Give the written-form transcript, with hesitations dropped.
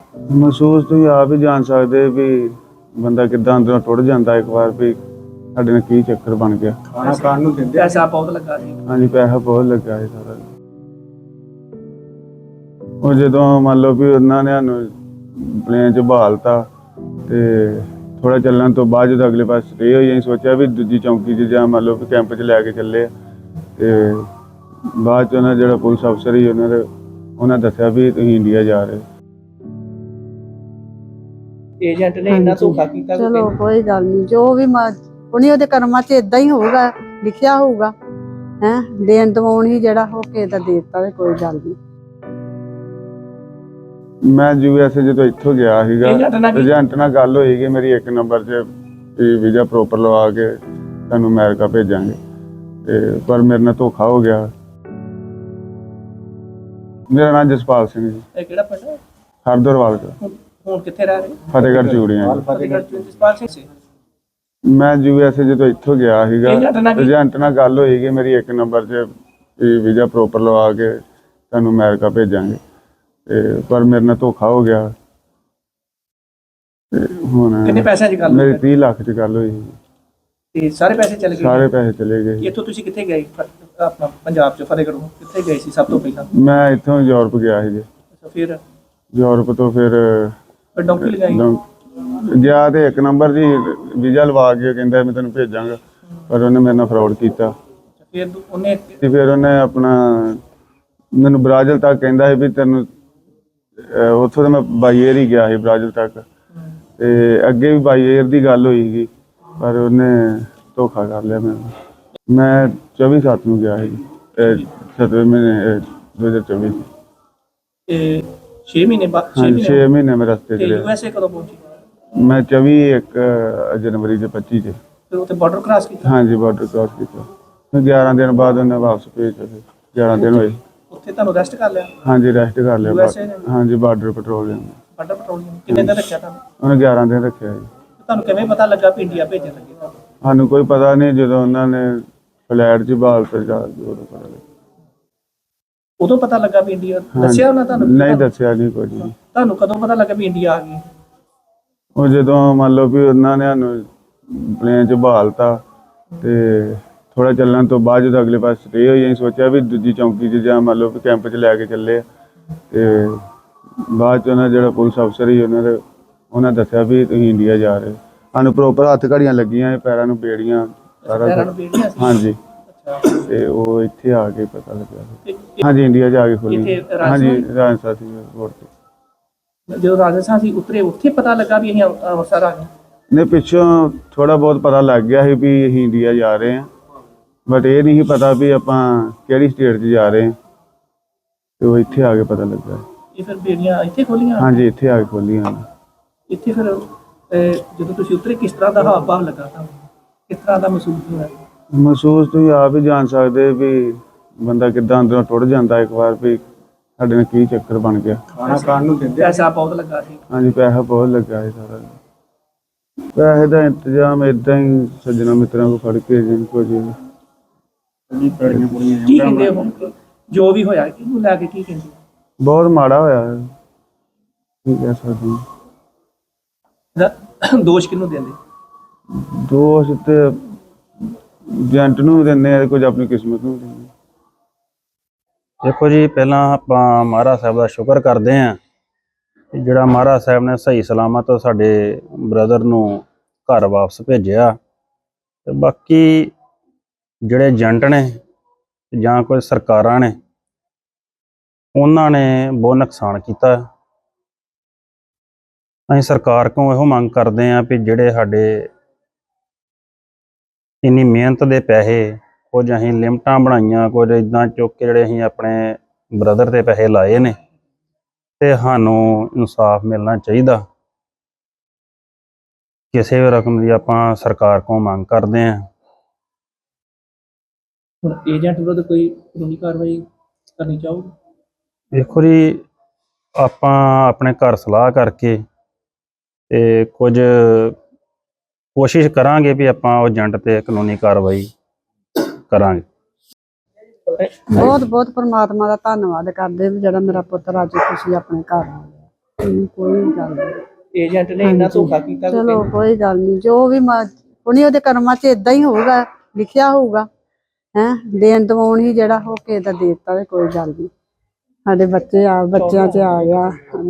महसूस तुसीं आप ही जान सकते भी बंदा किद्दां अंदरों टुट जाता एक बार भी साडे नाल की चक्कर बन गया। खाना खाण नूं दिंदे पैसा बहुत लगा सी। हाँ जी पैसा बहुत लगा है सारा। और जो मान लो भी उन्होंने सानू प्लेन च बहालता तो थोड़ा चलने तो बाद जो अगले पास स्टे हो जाए सोचा भी दूजी चौंकी च जां मान लो भी कैंप च लैके चले तो बाद जो पुलिस अफसर ही उन्हें दसिया भी तुसीं इंडिया जा रहे। ਏਜੰਟ ਨੇ ਇੰਨਾ ਧੋਖਾ ਕੀਤਾ ਕਿ ਚਲੋ ਕੋਈ ਗੱਲ ਨਹੀਂ ਜੋ ਵੀ ਉਹਨੇ ਉਹਦੇ ਕਰਮਾਂ 'ਚ ਇਦਾਂ ਹੀ ਹੋਊਗਾ ਲਿਖਿਆ ਹੋਊਗਾ ਹੈ ਦੇਣ ਦਵਾਉਣ ਹੀ ਜਿਹੜਾ ਹੋ ਕੇ ਤਾਂ ਦੇ ਦਿੱਤਾ ਤੇ ਕੋਈ ਗੱਲ ਨਹੀਂ। मैं USA जो इत्थों गया सीगा एजेंट नाल गल होई कि मेरी 1 नंबर च वीज़ा प्रॉपर लवा के तुहानूं अमेरिका भेजांगे ते पर मेरे नाल धोखा हो गया। मेरा नाम जसपाल सिंह जी। ਇਹ ਕਿਹੜਾ ਪਿੰਡ ਹੈ? हरदोरवाल का ਹੁਣ ਕਿੱਥੇ ਰਹਿ ਰਹੇ? फतेहगढ़ चूड़ियां। ਫਤਿਹਗੜ੍ਹ ਚ ਜਸਪਾਲ ਸਿੰਘ ਸੀ। मैं USA जो इत्थों गया सीगा एजेंट नाल गल होई कि मेरी 1 नंबर च वीज़ा प्रॉपर लवा के तुहानूं अमेरिका भेजांगे पर मेरे नाल धोखा हो गया। कितने पैसे च गल मेरी 30 लाख च गल हुई ਤੇ ਸਾਰੇ ਪੈਸੇ ਚਲੇ ਗਏ? सारे पैसे चले गए। ਇੱਥੋਂ ਤੁਸੀਂ ਕਿੱਥੇ ਗਏ? ਆਪਣਾ ਪੰਜਾਬ ਚ ਫਤਿਹਗੜ੍ਹ ਕਿੱਥੇ ਗਏ ਸੀ ਸਭ ਤੋਂ ਪਹਿਲਾਂ? मैं इत्थों यूरोप गया ਸੀ। ਅੱਛਾ ਫਿਰ यूरोप तो फिर ਡੌਂਕੀ ਲਗਾਈ? गया तो 1 नंबर जी वीज़ा लवा के कहता मैं तेन भेजांगा पर उन्हें मेरे नाल फ्रॉड किया। ਫਿਰ ਉਹਨੇ फिर उन्हें अपना मैनू ब्राज़िल तक कहता भी तेन उत्थों तो मैं बाई एयर ही गया ਸੀ ब्राज़िल तक ते अगे भी बाई एयर की गल होई पर उन्हें धोखा कर लिया मैंने। मैं 24/7 ਨੂੰ ਗਿਆ ਸੀ 7ਵੇਂ ਮਹੀਨੇ 2024 ਤੇ 6 ਮਹੀਨੇ ਬਾਅਦ 6 ਮਹੀਨੇ ਮੈਂ ਰਸਤੇ ਤੇ ਚ ਰਿਹਾ। USA ਕਦੋਂ ਪਹੁੰਚੇ? मैं 24 जनवरी के 25 च ਫਿਰ ਉੱਥੇ ਬਾਰਡਰ ਕ੍ਰਾਸ ਕੀਤਾ? हाँ जी बॉर्डर क्रॉस किया। फिर 11 दिन बाद उन्हें वापस भेजा। 11 दिन हुए। ਉੱਥੇ ਤੁਹਾਨੂੰ ਅਰੈਸਟ ਕਰ ਲਿਆ? हाँ जी रेस्ट कर लिया। USA ने? हाँ जी बॉर्डर पेट्रोलिंग ਬਾਰਡਰ ਪੈਟਰੋਲਿੰਗ ਕਿੰਨੇ ਦਿਨ ਰੱਖਿਆ ਤੁਹਾਨੂੰ? उन्हें 11 दिन रखे जी। ਤੁਹਾਨੂੰ ਕਿਵੇਂ ਪਤਾ ਲੱਗਾ ਵੀ ਇੰਡੀਆ ਭੇਜਣ ਲੱਗੇ ਤੁਹਾਨੂੰ? सानू कोई पता नहीं जो उन्होंने फ्लैट च बहाल पर जा उदों पता लगा। ਉਦੋਂ ਪਤਾ ਲੱਗਾ ਵੀ ਇੰਡੀਆ ਦੱਸਿਆ ਉਹਨਾਂ ਤੁਹਾਨੂੰ? नहीं दसिया नहीं कुछ भी। ਤੁਹਾਨੂੰ ਕਦੋਂ ਪਤਾ ਲੱਗਾ ਵੀ ਇੰਡੀਆ ਆ ਗਈ? ਉਹ ਜਦੋਂ ਮੰਨ ਲਓ ਵੀ ਉਹਨਾਂ ਨੇ ਸਾਨੂੰ ਪਲੇਨ 'ਚ ਬਹਾਲਤਾ ਤੇ ਥੋੜਾ ਚੱਲਣ ਤੋਂ ਬਾਅਦ ਜਦੋਂ ਅਗਲੇ ਪਾਸੇ ਸਟੇ ਹੋਈ ਅਸੀਂ ਸੋਚਿਆ ਵੀ ਦੂਜੀ ਚੌਂਕੀ 'ਚ ਜਾਂ ਮੰਨ ਲਓ ਵੀ ਕੈਂਪ 'ਚ ਲੈ ਕੇ ਚੱਲੇ ਤੇ ਬਾਅਦ 'ਚ ਉਹਨਾਂ ਜਿਹੜਾ ਪੁਲਿਸ ਅਫਸਰ ਸੀ ਉਹਨਾਂ ਦੱਸਿਆ ਵੀ ਤੁਸੀਂ ਇੰਡੀਆ ਜਾ ਰਹੇ। ਸਾਨੂੰ ਪ੍ਰੋਪਰ ਹੱਥ ਘੜੀਆਂ ਲੱਗੀਆਂ ਪੈਰਾਂ ਨੂੰ ਬੇੜੀਆਂ ਸਾਰਾ ਪੈਰਾਂ ਨੂੰ ਬੀੜੀਆਂ ਸੀ? ਹਾਂਜੀ ਅੱਛਾ ਤੇ ਉਹ ਇੱਥੇ ਆ ਕੇ ਪਤਾ ਲੱਗਿਆ। ਤੇ ਹਾਂਜੀ ਇੰਡੀਆ 'ਚ ਆ ਕੇ ਖੋਲੀ। ਇੱਥੇ ਹਾਂਜੀ ਰਾਜਸਥਾਨ ਸੀ 에ਅਰਪੋਰਟ ਤੇ। ਜਦੋਂ ਰਾਜਸਥਾਨ ਸੀ ਉਤਰੇ ਉੱਥੇ ਪਤਾ ਲੱਗਾ ਵੀ ਅਸੀਂ ਅੰਮ੍ਰਿਤਸਰ ਆ ਗਏ? ਨੇ ਪਿੱਛੋਂ ਥੋੜਾ ਬਹੁਤ ਪਤਾ ਲੱਗ ਗਿਆ ਸੀ ਵੀ ਅਸੀਂ ਇੰਡੀਆ ਜਾ ਰਹੇ ਹਾਂ ਬਟ ਇਹ ਨਹੀਂ ਪਤਾ ਵੀ ਆਪਾਂ ਕਿਹੜੀ ਸਟੇਟ 'ਚ ਜਾ ਰਹੇ ਹਾਂ ਤੇ ਉਹ ਇੱਥੇ ਆ ਕੇ ਪਤਾ ਲੱਗਾ। ਇਹ ਫਿਰ ਬੇੜੀਆਂ ਇੱਥੇ ਖੋਲੀਆਂ? ਹਾਂਜੀ ਇੱਥੇ ਆ ਕੇ ਖੋਲੀਆਂ। ਇੱਥੇ ਫਿਰ ਜਦੋਂ ਤੁਸੀਂ ਉਤਰੇ ਕਿਸ ਤਰ੍ਹਾਂ ਦਾ ਹਾਵ ਭਾਵ ਲੱਗਾ ਤੁਹਾਨੂੰ? ਕਿਸ ਤਰ੍ਹਾਂ ਦਾ ਮਹਿਸੂਸ ਹੋਇਆ? ਮਹਿਸੂਸ ਤੁਸੀਂ ਆਪ ਹੀ ਜਾਣ ਸਕਦੇ ਵੀ ਬੰਦਾ ਕਿੱਦਾਂ ਅੰਦਰੋਂ ਟੁੱਟ ਜਾਂਦਾ ਇੱਕ ਵਾਰ ਵੀ ਸਾਡੇ ਨਾਲ ਕੀ ਚੱਕਰ ਬਣ ਗਿਆ। ਖਾਣਾ ਖਾਣ ਨੂੰ ਦਿੰਦੇ ਪੈਸਾ ਬਹੁਤ ਲੱਗਾ ਸੀ? ਹਾਂਜੀ ਪੈਸਾ ਬਹੁਤ ਲੱਗਾ ਹੈ ਸਾਰਾ। ਪੈਸੇ ਦਾ ਇੰਤਜ਼ਾਮ ਇਦਾਂ ਹੀ ਸੱਜਣਾ ਮਿੱਤਰਾਂ ਕੋਲ ਫੜ ਕੇ ਜਿੰਨ ਕੋ ਜੀ ਕੀ ਕਹਿੰਦੇ ਹੁਣ ਜੋ ਵੀ ਹੋਇਆ ਕਿਹਨੂੰ ਲੈ ਕੇ ਕੀ ਕਹਿੰਦੇ? ਬਹੁਤ ਮਾੜਾ ਹੋਇਆ ਹੈ ਕੀ ਕਹਿ ਸਕਦੇ ਹਾਂ। ਦੋਸ਼ ਕਿਹਨੂੰ ਦਿੰਦੇ? ਦੋਸ਼ ਤੇ ਏਜੰਟ ਨੂੰ ਦਿੰਦੇ ਆ ਕੁਝ ਆਪਣੀ ਕਿਸਮਤ ਨੂੰ ਦਿੰਦੇ। ਦੇਖੋ ਜੀ ਪਹਿਲਾਂ ਆਪਾਂ ਮਹਾਰਾਜ ਸਾਹਿਬ ਦਾ ਸ਼ੁਕਰ ਕਰਦੇ ਹਾਂ ਕਿ ਜਿਹੜਾ ਮਹਾਰਾਜ ਸਾਹਿਬ ਨੇ ਸਹੀ ਸਲਾਮਤ ਸਾਡੇ ਬ੍ਰਦਰ ਨੂੰ ਘਰ ਵਾਪਸ ਭੇਜਿਆ ਤੇ ਬਾਕੀ ਜਿਹੜੇ ਏਜੰਟ ਨੇ ਜਾਂ ਕੋਈ ਸਰਕਾਰਾਂ ਨੇ ਉਹਨਾਂ ਨੇ ਬਹੁਤ ਨੁਕਸਾਨ ਕੀਤਾ। ਅਸੀਂ ਸਰਕਾਰ ਕੋਲੋਂ ਇਹੋ ਮੰਗ ਕਰਦੇ ਹਾਂ ਵੀ ਜਿਹੜੇ ਸਾਡੇ ਇੰਨੀ ਮਿਹਨਤ ਦੇ ਪੈਸੇ ਕੁਝ ਅਸੀਂ ਲਿਮਟਾਂ ਬਣਾਈਆਂ ਕੁਝ ਇੱਦਾਂ ਚੁੱਕ ਕੇ ਜਿਹੜੇ ਅਸੀਂ ਆਪਣੇ ਬ੍ਰਦਰ ਦੇ ਪੈਸੇ ਲਾਏ ਨੇ ਤੇ ਸਾਨੂੰ ਇਨਸਾਫ ਮਿਲਣਾ ਚਾਹੀਦਾ। ਕਿਸੇ ਵੀ ਰਕਮ ਦੀ ਆਪਾਂ ਸਰਕਾਰ ਕੋਲੋਂ ਮੰਗ ਕਰਦੇ ਹਾਂ। ਹੁਣ ਏਜੰਟ ਵਿਰੁੱਧ ਕੋਈ ਕਾਨੂੰਨੀ ਕਾਰਵਾਈ ਕਰਨੀ ਚਾਹੋਗੇ? ਦੇਖੋ ਜੀ ਆਪਾਂ ਆਪਣੇ ਘਰ ਸਲਾਹ ਕਰਕੇ ਤੇ ਕੁਝ ਕੋਸ਼ਿਸ਼ ਕਰਾਂਗੇ ਵੀ ਆਪਾਂ ਉਹ ਏਜੰਟ ਤੇ ਕਾਨੂੰਨੀ ਕਾਰਵਾਈ ਕਰਾਂਗੇ। ਬਹੁਤ ਬਹੁਤ ਪਰਮਾਤਮਾ ਦਾ ਧੰਨਵਾਦ ਕਰਦੇ ਵੀ ਜਿਹੜਾ ਮੇਰਾ ਪੁੱਤਰ ਅੱਜ ਖੁਸ਼ੀ ਆਪਣੇ ਘਰ ਆ ਗਿਆ। ਕੋਈ ਗੱਲ ਨਹੀਂ। ਏਜੰਟ ਨੇ ਇੰਨਾ ਧੋਖਾ ਕੀਤਾ ਕਿ ਚਲੋ ਕੋਈ ਗੱਲ ਨਹੀਂ, ਜੋ ਵੀ ਉਹਨੇ ਉਹਦੇ ਕਰਮਾਂ 'ਚ ਇਦਾਂ ਹੀ ਹੋਊਗਾ, ਲਿਖਿਆ ਹੋਊਗਾ। ਦੇਣ ਦਵਾਉਣ ਹੀ ਜਿਹੜਾ ਹੋ ਕੇ ਦਾ ਦੇ ਦਿੱਤਾ, ਕੋਈ ਗੱਲ ਨਹੀਂ। ਸਾਡੇ ਬੱਚੇ ਬੱਚਿਆਂ 'ਚ ਆ ਗਿਆ।